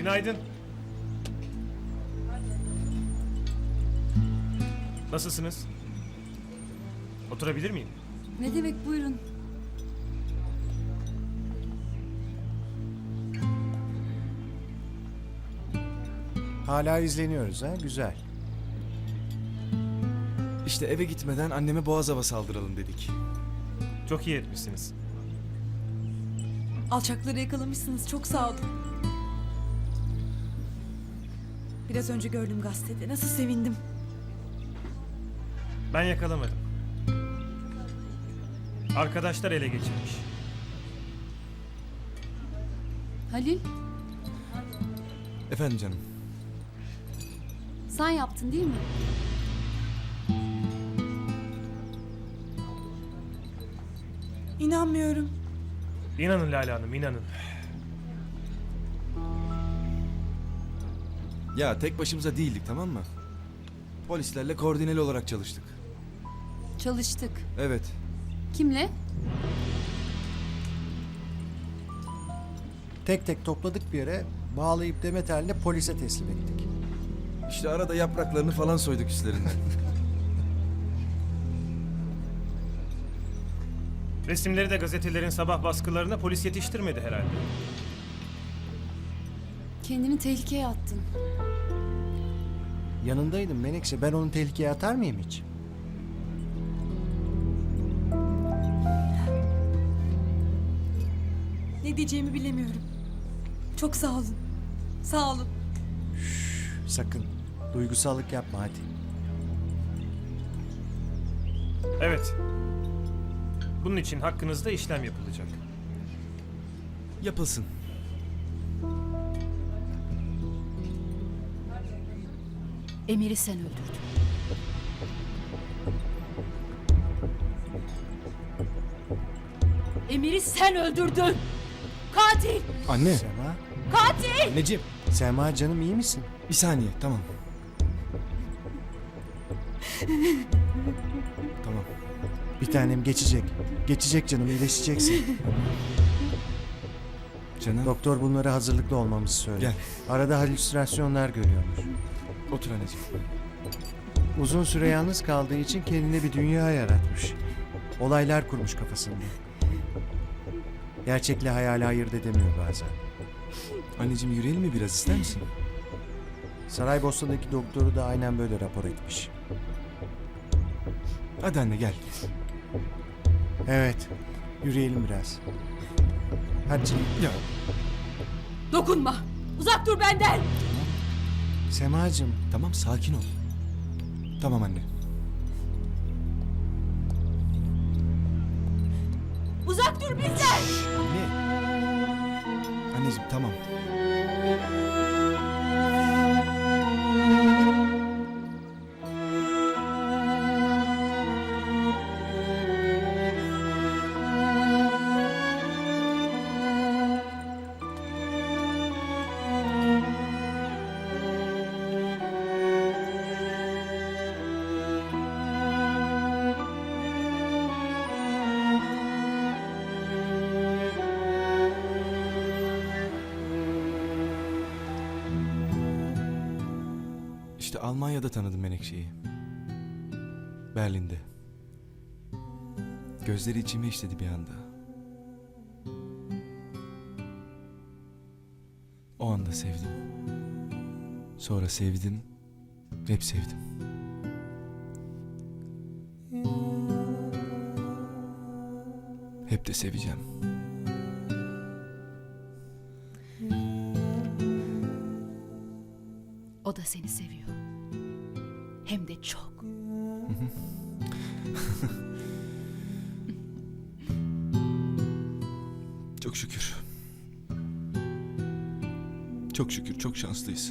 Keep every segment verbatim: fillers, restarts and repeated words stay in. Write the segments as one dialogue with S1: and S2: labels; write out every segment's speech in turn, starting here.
S1: Günaydın. Nasılsınız? Oturabilir miyim?
S2: Ne demek, buyurun.
S3: Hala izleniyoruz ha, güzel.
S4: İşte eve gitmeden anneme Boğazav'a saldıralım dedik.
S1: Çok iyi etmişsiniz.
S2: Alçakları yakalamışsınız, çok sağ olun. Biraz önce gördüm gazetede, nasıl sevindim.
S1: Ben yakalamadım. Arkadaşlar ele geçirmiş.
S5: Halil,
S4: Efendim canım.
S5: sen yaptın değil mi?
S2: İnanmıyorum.
S1: İnanın Lale Hanım, inanın.
S4: Ya tek başımıza değildik, tamam mı? Polislerle koordineli olarak çalıştık.
S5: Çalıştık.
S4: Evet.
S5: Kimle?
S3: Tek tek topladık bir yere, bağlayıp demet haline polise teslim ettik.
S4: İşte arada yapraklarını falan soyduk üstlerinden.
S1: Resimleri de gazetelerin sabah baskılarına polis yetiştirmedi herhalde.
S5: Kendini tehlikeye attın.
S3: Yanındaydım Menekşe, ben onu tehlikeye atar mıyım hiç?
S2: Ne diyeceğimi bilemiyorum. Çok sağ olun. Sağ olun.
S3: Sakın, duygusallık yapma hadi.
S1: Evet. Bunun için hakkınızda işlem yapılacak.
S4: Yapılsın.
S5: Emir'i sen öldürdün. Emir'i sen öldürdün. Katil!
S4: Anne.
S3: Sema,
S5: Katil!
S4: Anneciğim.
S3: Sema canım iyi misin?
S4: Bir saniye, tamam. Tamam.
S3: Bir tanem geçecek. Geçecek canım, iyileşeceksin.
S4: Canım.
S3: Doktor bunlara hazırlıklı olmamızı söyledi.
S4: Gel.
S3: Arada halüsinasyonlar görüyormuş.
S4: Otur anneciğim.
S3: Uzun süre yalnız kaldığı için kendine bir dünya yaratmış. Olaylar kurmuş kafasında. Gerçekle hayali ayırt edemiyor bazen.
S4: Anneciğim yürüyelim mi biraz, ister misin?
S3: Saraybosna'daki doktoru da aynen böyle rapor etmiş.
S4: Hadi anne gel.
S3: Evet, yürüyelim biraz. Hadi canım.
S4: Ya
S5: Dokunma! Uzak dur benden!
S3: Semacığım,
S4: tamam, sakin ol. Tamam anne.
S5: Uzak dur bizden!
S4: Anne. Anneciğim tamam. İşte Almanya'da tanıdım Menekşe'yi. Berlin'de. Gözleri içime işledi bir anda. O anda sevdim. Sonra sevdim, hep sevdim. Hep de seveceğim.
S5: O da seni seviyor. Hem de çok.
S4: Çok şükür. Çok şükür, çok şanslıyız.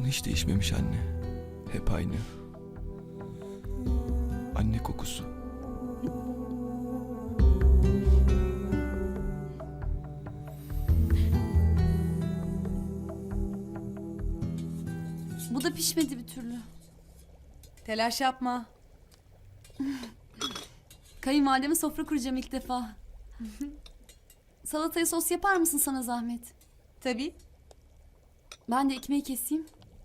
S4: hiç değişmemiş anne. Hep aynı. Anne kokusu.
S2: Bu da pişmedi bir türlü. Telaş yapma. Kayınvalideme sofra kuracağım ilk defa. Salataya sos yapar mısın sana zahmet? Tabii. Ben de ekmeği keseyim.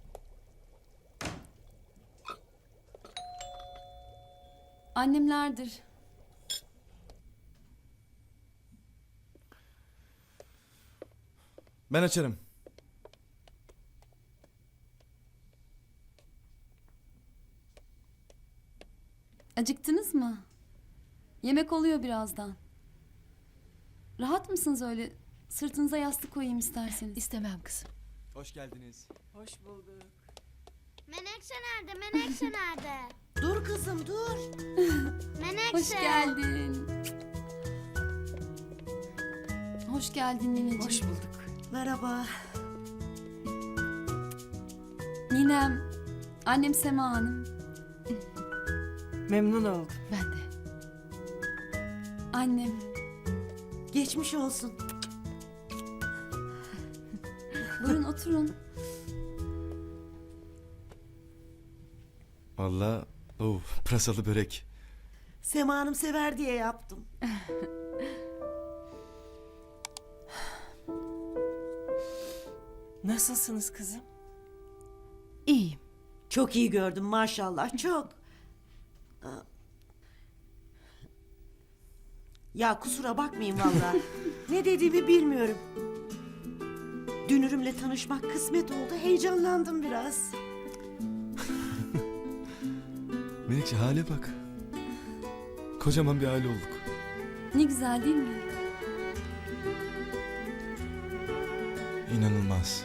S2: Annemlerdir.
S4: Ben açarım.
S2: Acıktınız mı? Yemek oluyor birazdan. Rahat mısınız öyle? Sırtınıza yastık koyayım isterseniz.
S5: İstemem kızım.
S4: Hoş geldiniz.
S6: Hoş bulduk.
S7: Menekşe nerede? Menekşe nerede?
S6: Dur kızım dur.
S7: Menekşe.
S2: Hoş geldin. Hoş geldin nineciğim.
S6: Hoş bulduk. Merhaba.
S2: Ninem, annem Sema Hanım,
S6: Memnun oldum.
S5: Ben de.
S2: annem.
S6: Geçmiş olsun.
S2: Buyurun oturun.
S4: Vallahi oh, pırasalı börek.
S6: Sema Hanım sever diye yaptım. Nasılsınız kızım?
S5: İyiyim.
S6: Çok iyi gördüm maşallah çok. Aa. Ya kusura bakmayın vallahi. Ne dediğimi bilmiyorum. Dünürümle tanışmak kısmet oldu. Heyecanlandım biraz.
S4: Menekşe hale bak. Kocaman bir aile olduk.
S2: Ne güzel değil mi?
S4: İnanılmaz.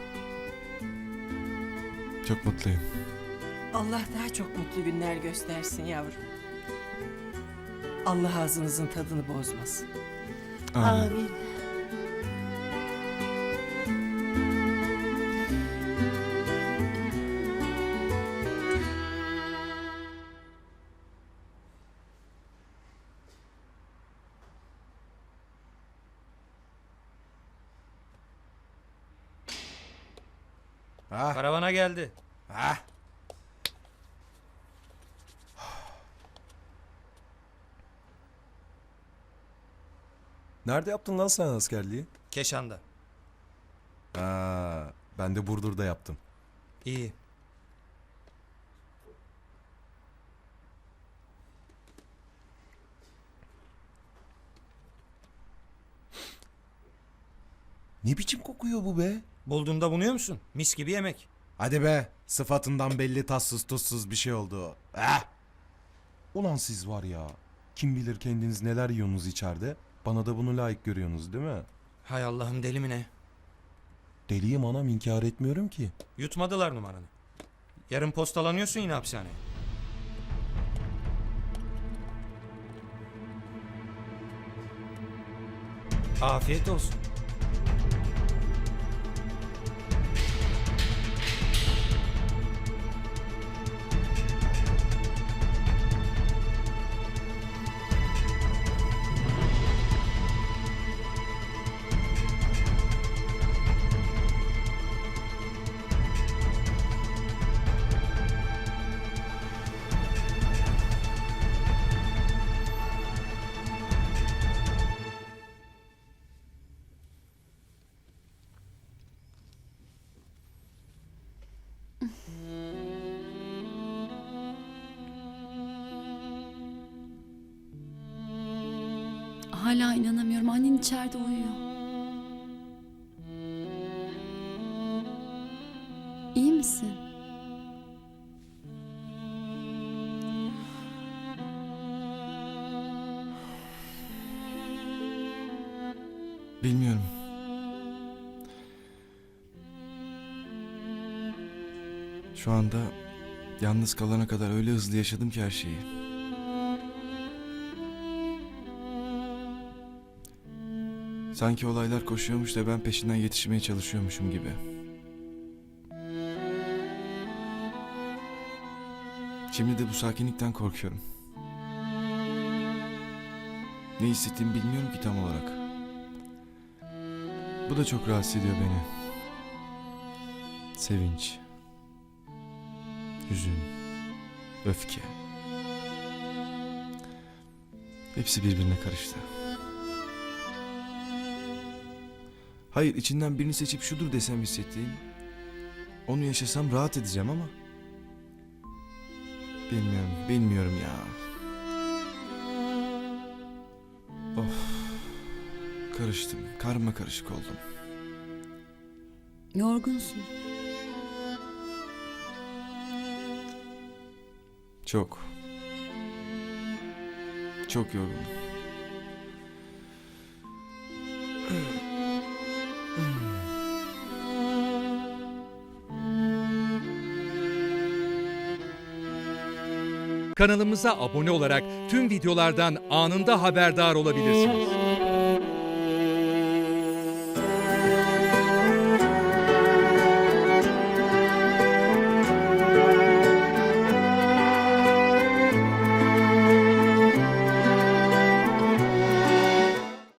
S4: Çok mutluyum.
S8: Allah daha çok mutlu günler göstersin yavrum. Allah ağzınızın tadını bozmasın.
S4: Amin.
S6: Amin.
S3: Ha,
S1: Karavana geldi.
S3: ha.
S9: Nerede yaptın lan sen askerliği?
S1: Keşan'da.
S9: Ha, ben de Burdur'da yaptım.
S1: İyi.
S9: Ne biçim kokuyor bu be?
S1: Bulduğunda bunuyor musun? Mis gibi yemek.
S9: Hadi be, sıfatından belli tatsız tuzsuz bir şey oldu. Eh! Ulan siz var ya, kim bilir kendiniz neler yiyorsunuz içeride. Bana da bunu layık görüyorsunuz değil mi?
S1: Hay Allah'ım, deli mi ne?
S9: Deliyim anam, inkar etmiyorum ki.
S1: Yutmadılar numaranı. Yarın postalanıyorsun yine hapishaneye. Afiyet olsun.
S2: Hala inanamıyorum. Annen içeride uyuyor. İyi misin?
S4: Bilmiyorum. Şu anda yalnız kalana kadar öyle hızlı yaşadım ki her şeyi. Sanki olaylar koşuyormuş da ben peşinden yetişmeye çalışıyormuşum gibi. Şimdi de bu sakinlikten korkuyorum. Ne hissettiğimi bilmiyorum ki tam olarak. Bu da çok rahatsız ediyor beni. Sevinç, hüzün, öfke. Hepsi birbirine karıştı. Hayır, içinden birini seçip şudur desem hissettiğim, onu yaşasam rahat edeceğim ama bilmiyorum, bilmiyorum ya. Of, karıştım, karma karışık oldum.
S2: Yorgunsun.
S4: Çok, çok yorgunum.
S10: Kanalımıza abone olarak tüm videolardan anında haberdar olabilirsiniz.